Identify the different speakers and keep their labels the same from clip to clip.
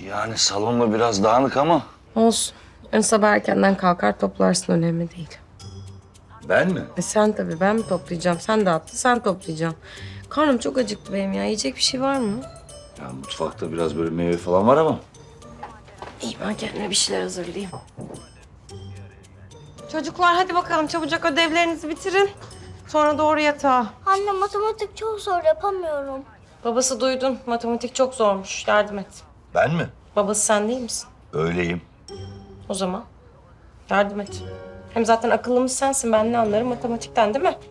Speaker 1: Yani salonda biraz dağınık ama.
Speaker 2: Olsun. Yarın sabah erkenden kalkar toplarsın, önemli değil.
Speaker 1: Ben mi?
Speaker 2: Sen tabii, ben mi toplayacağım? Sen dağıttın, sen toplayacaksın. Karnım çok acıktı benim ya. Yiyecek bir şey var mı?
Speaker 1: Ya mutfakta biraz böyle meyve falan var ama.
Speaker 2: İyi, ben kendime bir şeyler hazırlayayım. Çocuklar hadi bakalım çabucak ödevlerinizi bitirin. Sonra doğru yatağa.
Speaker 3: Anne matematik çok zor yapamıyorum.
Speaker 2: Babası duydun. Matematik çok zormuş. Yardım et.
Speaker 1: Ben mi?
Speaker 2: Babası sen değil misin?
Speaker 1: Öyleyim.
Speaker 2: O zaman yardım et. Hem zaten akıllımız sensin. Ben ne anlarım matematikten, değil mi?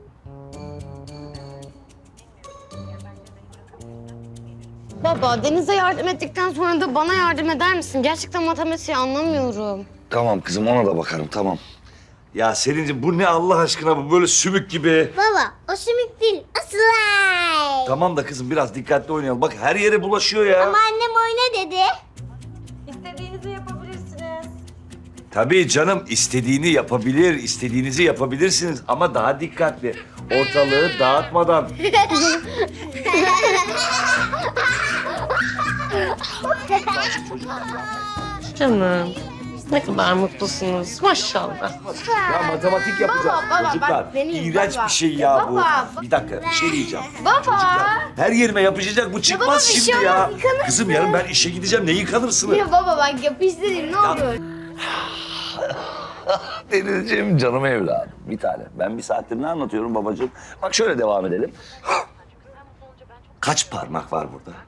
Speaker 4: Baba, Deniz'e yardım ettikten sonra da bana yardım eder misin? Gerçekten matematiği anlamıyorum.
Speaker 1: Tamam kızım, ona da bakarım, tamam. Ya Selin'ciğim bu ne Allah aşkına, bu böyle sümük gibi.
Speaker 3: Baba o sümük değil o slime.
Speaker 1: Tamam da kızım biraz dikkatli oynayalım. Bak her yere bulaşıyor ya.
Speaker 3: Ama annem oyna dedi.
Speaker 2: İstediğinizi yapabilirsiniz.
Speaker 1: Tabii canım, istediğini yapabilir, istediğinizi yapabilirsiniz ama daha dikkatli. Ortalığı dağıtmadan.
Speaker 2: Canım. Ne kadar mutlusunuz. Maşallah.
Speaker 1: Ya matematik yapacağız çocuklar.
Speaker 4: bak benim,
Speaker 1: İğrenç
Speaker 4: baba.
Speaker 1: bir şey ya bu.
Speaker 4: Baba.
Speaker 1: Bir dakika, bir şey diyeceğim.
Speaker 4: Baba!
Speaker 1: Çocuklar, her yerime yapışacak, bu çıkmaz
Speaker 4: baba, bir şey
Speaker 1: şimdi ya.
Speaker 4: olmaz, yıkanırsın.
Speaker 1: Kızım yarın ben işe gideceğim, ne yıkanırsın?
Speaker 4: Ya baba bak yapıştı dedim, ne olur.
Speaker 1: Denizciğim, canım evladım, bir tane. Ben bir saattir ne anlatıyorum babacığım? Bak şöyle devam edelim. Kaç parmak var burada?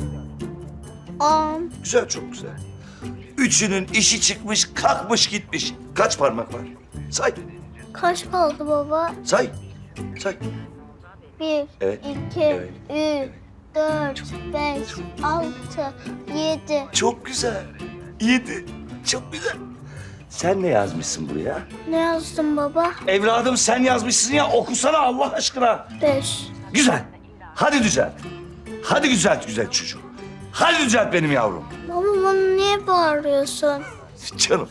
Speaker 3: 10.
Speaker 1: Güzel, çok güzel. Üçünün işi çıkmış, kalkmış gitmiş. Kaç parmak var? Say,
Speaker 3: Kaç kaldı baba?
Speaker 1: say, say.
Speaker 3: 1,
Speaker 1: Evet,
Speaker 3: 2,
Speaker 1: evet,
Speaker 3: 3, 4, 5, 6, 7.
Speaker 1: Çok güzel. 7. Çok güzel. Sen ne yazmışsın buraya?
Speaker 3: Ne yazdın baba?
Speaker 1: Evladım sen yazmışsın ya, okusana Allah aşkına.
Speaker 3: 5.
Speaker 1: Güzel. Hadi düzelt. Hadi düzelt güzel çocuğum. Hadi düzelt benim yavrum.
Speaker 3: Baba bana niye bağırıyorsun?
Speaker 1: Canım.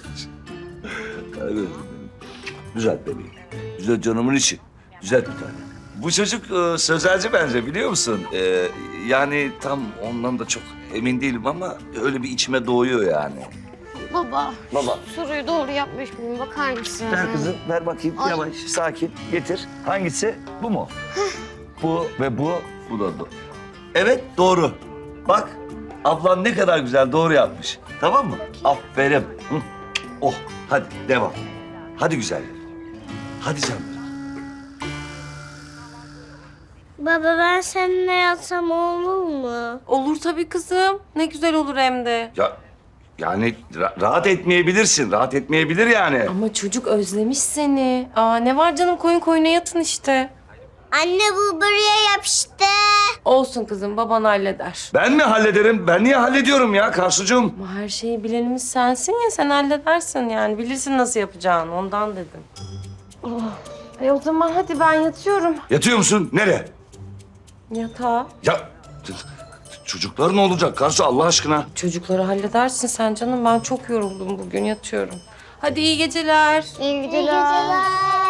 Speaker 1: Düzelt bebeğim. Düzelt canımın içi. Düzelt bir tane. Bu çocuk sözelci bence, biliyor musun? Yani tam ondan da çok emin değilim ama öyle bir içime doğuyor yani.
Speaker 4: Baba,
Speaker 1: Baba.
Speaker 4: soruyu doğru yapmış mıyım? Bakar mısın?
Speaker 1: Ver kızım, ver bakayım.
Speaker 4: Ay.
Speaker 1: Yavaş, sakin. Getir. Hangisi? Bu mu? Bu ve bu. Bu da doğru. Evet, doğru. Bak, ablan ne kadar güzel doğru yapmış. Tamam mı? Aferin. Hı. Oh, hadi devam. Hadi güzel. Hadi canım.
Speaker 3: Baba ben seninle yatsam olur mu?
Speaker 2: Olur tabii kızım. Ne güzel olur hem de.
Speaker 1: Ya yani rahat etmeyebilirsin. Rahat etmeyebilir yani.
Speaker 2: Ama çocuk özlemiş seni. Aa, ne var canım, koyun koyuna yatın işte.
Speaker 3: Anne bu buraya yapıştı.
Speaker 2: Olsun kızım, baban halleder.
Speaker 1: Ben mi hallederim? Ben niye hallediyorum ya Karsucuğum?
Speaker 2: Ama her şeyi bilenimiz sensin ya, sen halledersin yani. Bilirsin nasıl yapacağını, ondan dedim. Oh. O zaman hadi ben yatıyorum.
Speaker 1: Yatıyor musun? Nereye?
Speaker 2: Yatağa.
Speaker 1: Ya çocuklar ne olacak Karsu Allah aşkına?
Speaker 2: Çocukları halledersin sen canım. Ben çok yoruldum bugün, yatıyorum. Hadi iyi geceler.
Speaker 4: İyi
Speaker 3: İyi geceler.